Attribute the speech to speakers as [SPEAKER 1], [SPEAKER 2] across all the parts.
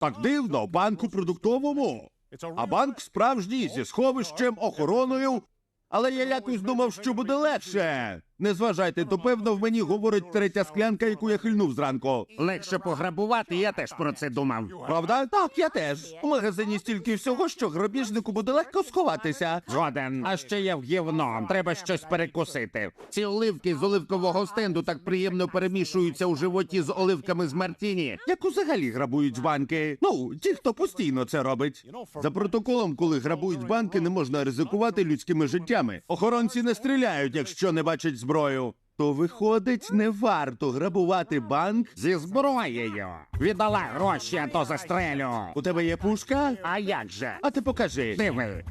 [SPEAKER 1] Так дивно, банк у продуктовому. А банк справжній, зі сховищем, охороною. Але я якось думав, що буде легше. Не зважайте, то певно в мені говорить третя склянка, яку я хильнув зранку.
[SPEAKER 2] Легше пограбувати, я теж про це думав.
[SPEAKER 1] Правда? Так, я теж. У магазині стільки всього, що грабіжнику буде легко сховатися.
[SPEAKER 2] Згоден. А ще є в гівно. Треба щось перекусити. Ці оливки з оливкового стенду так приємно перемішуються у животі з оливками з мартіні.
[SPEAKER 1] Як взагалі грабують банки? Ну, ті, хто постійно це робить. За протоколом, коли грабують банки, не можна ризикувати людськими життями. Охоронці не стріляють, якщо не бачать зброю. То виходить, не варто грабувати банк.
[SPEAKER 2] Зі зброєю. Віддала гроші, а то застрелю.
[SPEAKER 1] У тебе є пушка?
[SPEAKER 2] А як же?
[SPEAKER 1] А ти покажи.
[SPEAKER 2] Диви.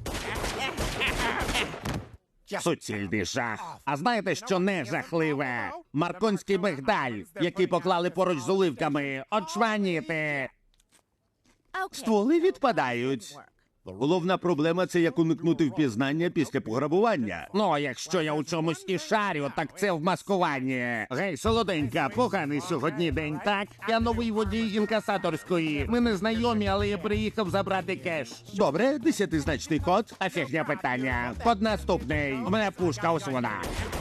[SPEAKER 2] Суцільний жах. А знаєте, що не жахливе? Марконський мигдаль, який поклали поруч з оливками. Очманіти.
[SPEAKER 1] Стволи відпадають. Головна проблема – це як уникнути впізнання після пограбування.
[SPEAKER 2] Ну, а якщо я у чомусь і шарю, так це в маскуванні. Гей, солоденька, поганий сьогодні день, так? Я новий водій інкасаторської. Ми не знайомі, але я приїхав забрати кеш.
[SPEAKER 1] Добре, 10-значний код.
[SPEAKER 2] А фігня питання. Код наступний. У мене пушка, ось вона.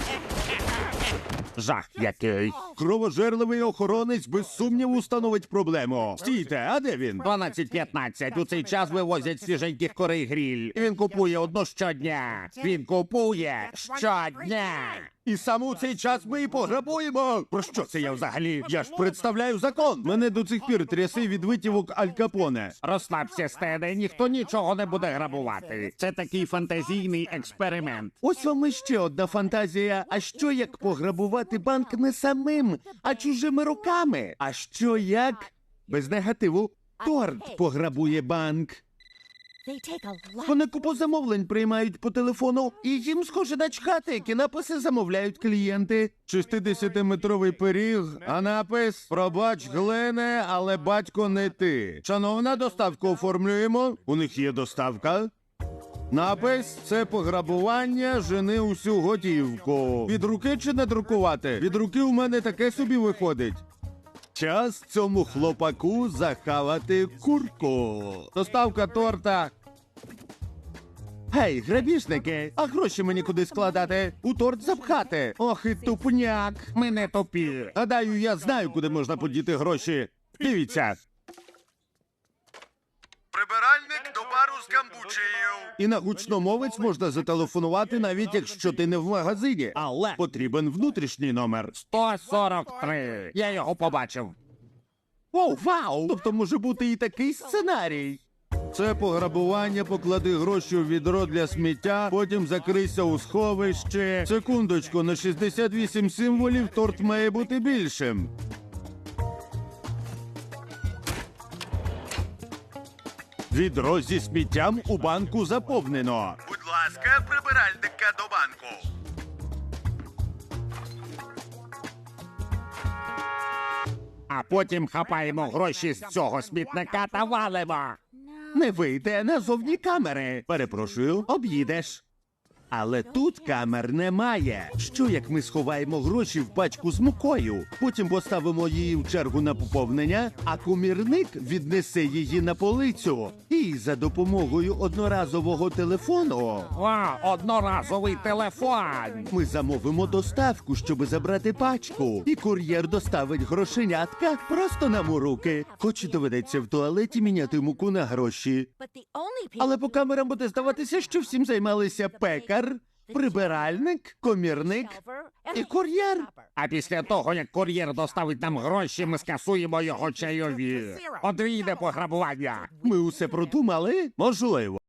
[SPEAKER 2] Жах який.
[SPEAKER 1] Кровожерливий охоронець без сумніву становить проблему. Стійте, а де він?
[SPEAKER 2] 12:15. У цей час вивозять свіженьких корей гріль. І він купує одну щодня. Він купує щодня.
[SPEAKER 1] І саме у цей час ми і пограбуємо. Про що це я взагалі? Я ж представляю закон. Мене до цих пір тряси від витівок Аль Капоне.
[SPEAKER 2] Розслабся, Стене, ніхто нічого не буде грабувати. Це такий фантазійний експеримент.
[SPEAKER 1] Ось вам іще одна фантазія. А що як пограбувати банк не самим, а чужими руками? А що як, без негативу, торт пограбує банк? Вони купу замовлень приймають по телефону, і їм схоже начхати, які написи замовляють клієнти. 60-метровий пиріг, а напис «Пробач, Глене, але батько не ти». Шановна, доставку оформлюємо. У них є доставка. Напис «Це пограбування, жени усю готівку». Від руки чи не друкувати? Від руки у мене таке собі виходить. Час цьому хлопаку захавати курку. Доставка торта. Гей, грабіжники, а гроші мені куди складати? У торт запхати. Ох і тупняк.
[SPEAKER 2] Ми не тупі.
[SPEAKER 1] Гадаю, я знаю, куди можна подіти гроші. Дивіться. Прибиральник до бару з камбучею. І на гучномовець можна зателефонувати, навіть якщо ти не в магазині. Але потрібен внутрішній номер.
[SPEAKER 2] 143. Я його побачив.
[SPEAKER 1] Оу, вау! Тобто може бути і такий сценарій. Це пограбування, поклади гроші у відро для сміття, потім закрийся у сховище. Секундочку, на 68 символів торт має бути більшим. Відро зі сміттям у банку заповнено. Будь ласка, прибиральника до банку.
[SPEAKER 2] А потім хапаємо гроші з цього смітника та валимо.
[SPEAKER 1] Не вийде, назовні камери. Перепрошую, об'їдеш. Але тут камер немає. Що як ми сховаємо гроші в пачку з мукою? Потім поставимо її в чергу на поповнення, а комірник віднесе її на полицю. І за допомогою одноразового телефону
[SPEAKER 2] Одноразовий телефон.
[SPEAKER 1] ми замовимо доставку, щоб забрати пачку. І кур'єр доставить грошенятка просто нам у руки. Хоч і доведеться в туалеті міняти муку на гроші. Але по камерам буде здаватися, що всім займалися пекар, прибиральник, комірник і кур'єр.
[SPEAKER 2] А після того, як кур'єр доставить нам гроші, ми скасуємо його чайові. Подвійне пограбування.
[SPEAKER 1] Ми усе продумали? Можливо.